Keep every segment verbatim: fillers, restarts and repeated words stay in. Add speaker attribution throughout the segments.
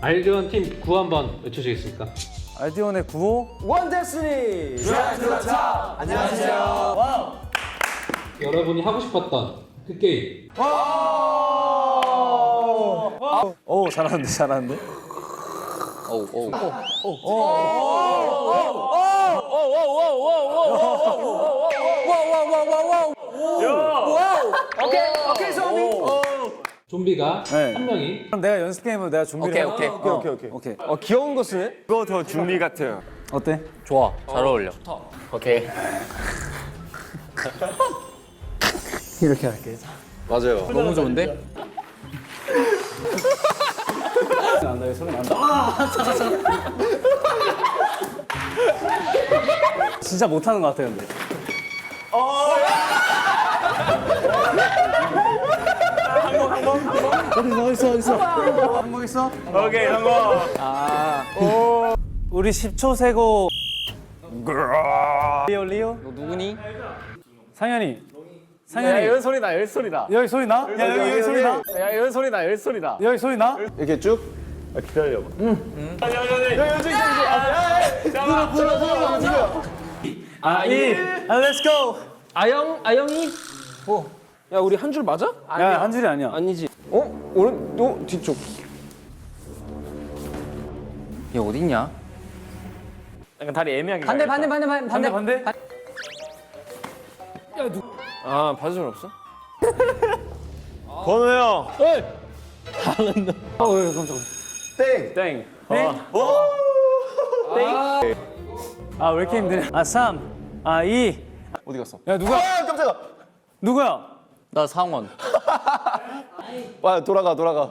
Speaker 1: 알디온 팀 구호 한번 외쳐주시겠습니까?
Speaker 2: 알디온의 구호
Speaker 3: 원 데스니 드라이브 투 더 탑. 안녕하세요. 와우.
Speaker 1: 여러분이 하고 싶었던 그 게임.
Speaker 2: 오 잘하는데 잘하는데
Speaker 3: 오케이 오케이 소미.
Speaker 1: 좀비가
Speaker 2: 네.
Speaker 1: 한 명이
Speaker 2: 그럼 내가 연습 게임으로 내가 준비를
Speaker 4: 오케이,
Speaker 2: 할게.
Speaker 4: 오케이.
Speaker 2: 어,
Speaker 3: 오케이 오케이.
Speaker 2: 오케이
Speaker 3: 어 귀여운 거 쓰네.
Speaker 5: 이거 더 준비 같아요.
Speaker 2: 어때?
Speaker 4: 좋아. 잘 어울려. 오케이.
Speaker 2: 이렇게 할게
Speaker 5: 맞아요.
Speaker 4: 너무 좋은데?
Speaker 2: 난다 여기 소리 난다 아, 진짜 못하는 것 같아 근데 어디 있어 어디 있어 한번 있어?
Speaker 5: 오케이 성공.
Speaker 2: 우리 십 초 세고 리오 리오
Speaker 4: 너 누구니?
Speaker 2: 상현이
Speaker 4: 야,
Speaker 2: 상현이
Speaker 4: 이런 소리 나, 이런 소리 나.
Speaker 2: 여기 소리 나? 야 여기 여기 소리 나?
Speaker 4: 야, 이런 소리 나, 이런 소리 나.
Speaker 2: 여기 소리 나?
Speaker 5: 이렇게 쭉. 아, 기다려봐. 응. 야, 야, 야, 야, 저기, 저기, 저기.
Speaker 2: 아, 이, 아, 렛츠 고!
Speaker 3: 아영 아영이. 어. 야 우리 한 줄 맞아?
Speaker 2: 야, 한 줄이 아니야.
Speaker 3: 아니지. 어? 오른 또 뒤쪽.
Speaker 4: 얘 어딨냐?
Speaker 5: 약간 다리 애매하게.
Speaker 4: 반대, 반대, 반대, 반대,
Speaker 2: 반대,
Speaker 4: 반대.
Speaker 2: 반대?
Speaker 3: 아 받을 줄 없어?
Speaker 5: 번호 형.
Speaker 2: 어, 왜, 깜짝이야.
Speaker 5: 땡.
Speaker 3: 땡.
Speaker 2: 아, 왜 이렇게 힘드냐? 아, 삼, 아, 이.
Speaker 5: 어디 갔어?
Speaker 2: 야, 누가?
Speaker 5: 아, 깜짝아.
Speaker 2: 누구야?
Speaker 4: 나 상원.
Speaker 5: 와, 돌아가, 돌아가.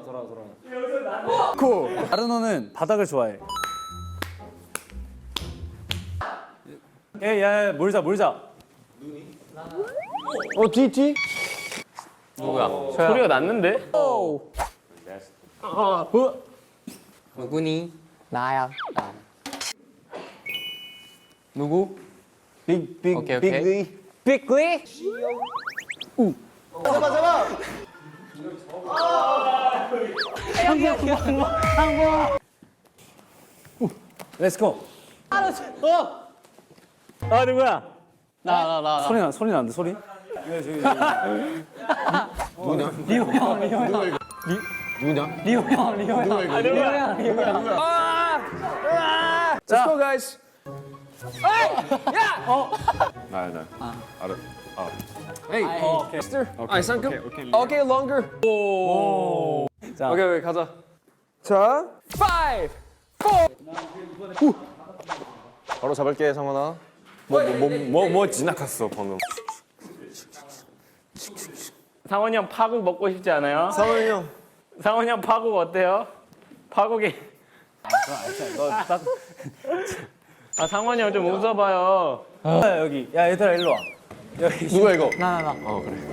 Speaker 2: 아르노는 바닥을 좋아해. 야, 야, 야, 몰자, 몰자.
Speaker 3: 어 뒤 뒤.
Speaker 4: 누구야?
Speaker 3: 소리가 났는데?
Speaker 4: 누구니? 나야. 나. 누구?
Speaker 5: 빅, 빅,
Speaker 4: 오케이, 오케이.
Speaker 5: 빅리.
Speaker 4: 빅리?
Speaker 5: 잡아, 잡아.
Speaker 2: 렛츠 고.
Speaker 4: 아, 누구야? 나, 나, 나. 나.
Speaker 2: 소리 나, 소리 나는데, 소리? 누구냐? 리오 형, 리오 형.
Speaker 5: 누구냐?
Speaker 2: 리오 형, 리오 형.
Speaker 5: 누구야, 이거?
Speaker 2: 리오 형, 리오 형.
Speaker 3: Let's go guys.
Speaker 5: 나, 나. 알아.
Speaker 3: Hey.
Speaker 2: 어, 오케이.
Speaker 3: 아 상큼. 오케이 longer.
Speaker 2: 자,
Speaker 3: 오케이 오케이 가자. 자 five.
Speaker 5: 바로 잡을게, 성원아. 뭐, 뭐, 뭐, 뭐, 뭐 지나갔어, 방금.
Speaker 6: 상원이 형 파국 먹고 싶지 않아요?
Speaker 5: 상원이 형.
Speaker 6: 상원이 형 파국 어때요? 파국이
Speaker 2: 딱.
Speaker 6: 아 상원이 형 좀 웃어봐요.
Speaker 2: 야, 여기. 야, 얘들아, 일로 와. 여기.
Speaker 5: 누가 이거?
Speaker 4: 나, 나, 나.
Speaker 5: 어, 그래.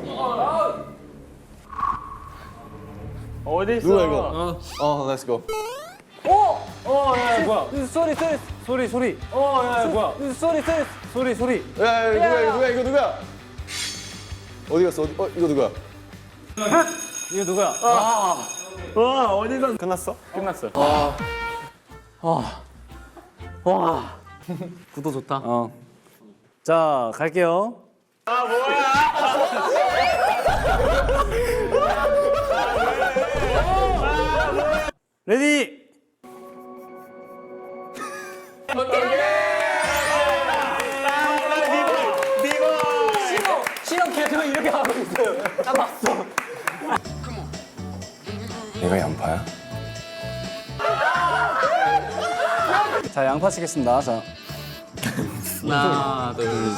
Speaker 6: 어디 있어?
Speaker 5: 누가 이거? 어, 렛츠 고.
Speaker 2: 어, 야, 야, 뭐야? 소리, 소리. 소리, 소리. 어, 야, 야, 뭐야? 소리, 소리. 소리, 소리.
Speaker 5: 야, 야, 이거 누구야, 이거 누구야, 이거 누구야? 어디 갔어? 어디, 어, 이거 누구야?
Speaker 2: 이거 누구야?
Speaker 6: 와 어디서
Speaker 5: 끝났어?
Speaker 6: 끝났어.
Speaker 4: 구도 좋다.
Speaker 2: 어. 자, 갈게요. 아, 뭐야? 레디.
Speaker 4: 실험 계속 이렇게 하고 있어요. 나 봤어.
Speaker 5: 얘가 양파야?
Speaker 2: 자, 양파 치겠습니다. 자.
Speaker 4: 하나, 둘,